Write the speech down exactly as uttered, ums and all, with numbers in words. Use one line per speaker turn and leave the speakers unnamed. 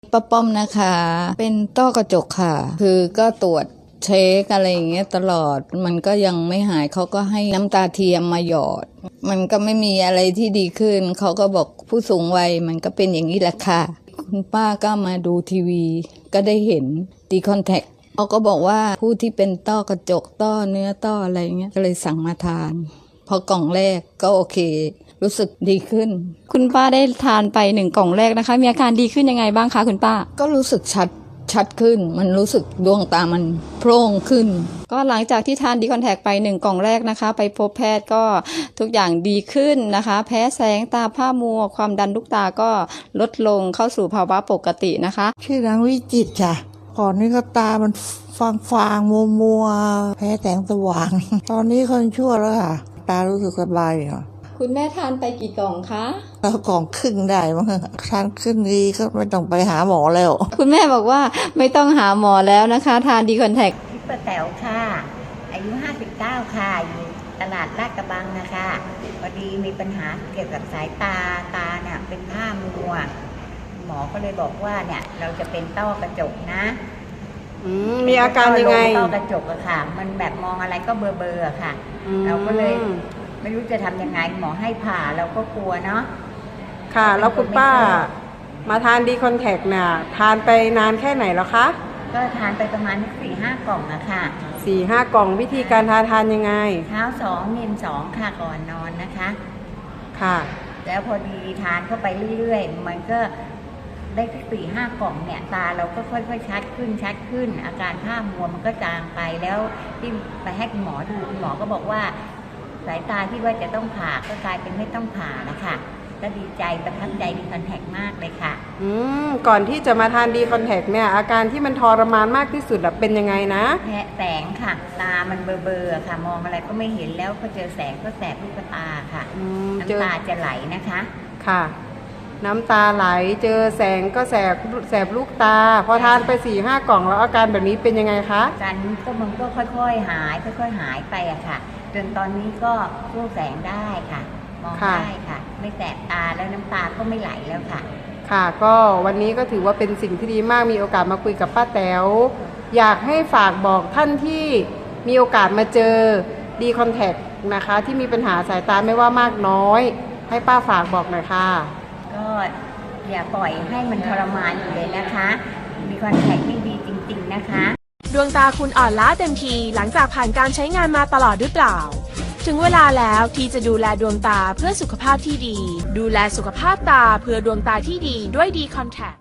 ป้าป้อมนะคะเป็นต้อกระจกค่ะคือก็ตรวจเช็คอะไรอย่างเงี้ยตลอดมันก็ยังไม่หายเขาก็ให้น้ำตาเทียมมาหยอดมันก็ไม่มีอะไรที่ดีขึ้นเขาก็บอกผู้สูงวัยมันก็เป็นอย่างนี้แหละค่ะคุณป้าก็มาดูทีวีก็ได้เห็นดีคอนแทคเขาก็บอกว่าผู้ที่เป็นต้อกระจกต้อเนื้อต้ออะไรเงี้ยก็เลยสั่งมาทานพอกล่องแรกก็โอเครู้สึกดีขึ้น
คุณป้าได้ทานไปหนึ่งกล่องแรกนะคะมีอาการดีขึ้นยังไงบ้างคะคุณป้า
ก็รู้สึกชัดชัดขึ้นมันรู้สึกดวงตามันโพร่งขึ้น
ก็หลังจากที่ทานดีคอนแทคไปหนึ่งกล่องแรกนะคะไปพบแพทย์ก็ทุกอย่างดีขึ้นนะคะแพ้แสงตาผ้ามัวความดันลูกตาก็ลดลงเข้าสู่ภาวะปกตินะคะ
ชื่อนางวิจิตรค่ะก่อนนี้ก็ตามันฟางฟางมัวมัวแพ้แสงสว่างตอนนี้คนชั่วแล้วค่ะตารู้สึกสบายค่ะ
คุณแม่ทานไปกี่กล่องคะ
แล้วกล่องครึ่งได้มั้งทานครึ่งดีก็ไม่ต้องไปหาหมอแล้ว
คุณแม่บอกว่าไม่ต้องหาหมอแล้วนะคะทานดีคอนแทค
พี่ป้าแต๋วค่ะอายุห้าสิบเก้าค่ะอยู่ตลาดลาดกระบังนะคะพอดีมีปัญหาเกี่ยวกับสายตาตาเนี่ยเป็นผ้ามัวหมอก็เลยบอกว่าเนี่ยเราจะเป็นต้อกระจกนะ
มีอาการยังไง
ต้อกระจกอะค่ะมันแบบมองอะไรก็เบลอๆอะค่ะเราก็เลยไม่รู้จะทำยังไงหมอให้ผ่าเราก็กลัวเนาะ
ค่ะแล้วคุณป้ามาทานดีคอนแทคเนี่ยทานไปนานแค่ไหนแล้วคะ
ก็ทานไปประมาณสี่ห้ากล่องอะค่ะ
สี่ห้ากล่องวิธีการทานทานยังไง
เช้าสองเย็นสองค่ะก่อนนอนนะคะ
ค่ะ
แล้วพอดีทานเข้าไปเรื่อยๆมันก็ได้สี่ห้ากล่องเนี่ยตาเราก็ค่อยๆชัดขึ้นชัดขึ้นอาการผ้ามัวมันก็จางไปแล้วที่ไปให้คุณหมอดูคุณหมอก็บอกว่าสายตาที่ว่าจะต้องผ่าก็กลายเป็นไม่ต้องผ่าแล้วค่ะก็ดีใจประทับใจดีคอนแทคมากเลยค่ะ
อืมก่อนที่จะมาทานดีคอนแทคเนี่ยอาการที่มันทรมานมากที่สุดเป็นยังไงนะ
แพ้แสงค่ะตามันเบลอๆค่ะมองอะไรก็ไม่เห็นแล้วพอเจอแสงก็แสบลูกตาค่ะน้ำตาจะไหลนะคะ
ค่ะน้ำตาไหลเจอแสงก็แสบแสบลูกตาพอทานไปสี่ห้ากล่องแล้วอาการแบบนี้เป็นยังไงคะ
การก็มันก็ค่อยๆหายค่อยๆหายไปอะค่ะจนตอนนี้ก็สู้แสงได้ค่ะมองได้ค่ะไม่แสบตาแล้วน้ำตาก็ไม่ไหลแล้วค่ะ
ค่ะก็วันนี้ก็ถือว่าเป็นสิ่งที่ดีมากมีโอกาสมาคุยกับป้าแต๋วอยากให้ฝากบอกท่านที่มีโอกาสมาเจอดีคอนแทคนะคะที่มีปัญหาสายตาไม่ว่ามากน้อยให้ป้าฝากบอกหน่อยค่ะ
ก็อย่าปล่อยให้มันทรมานอยู่เลยนะคะดีคอนแทคที่ดีจริงๆนะคะ
ดวงตาคุณอ่อนล้าเต็มทีหลังจากผ่านการใช้งานมาตลอดหรือเปล่าถึงเวลาแล้วที่จะดูแลดวงตาเพื่อสุขภาพที่ดีดูแลสุขภาพตาเพื่อดวงตาที่ดีด้วยดีคอนแทค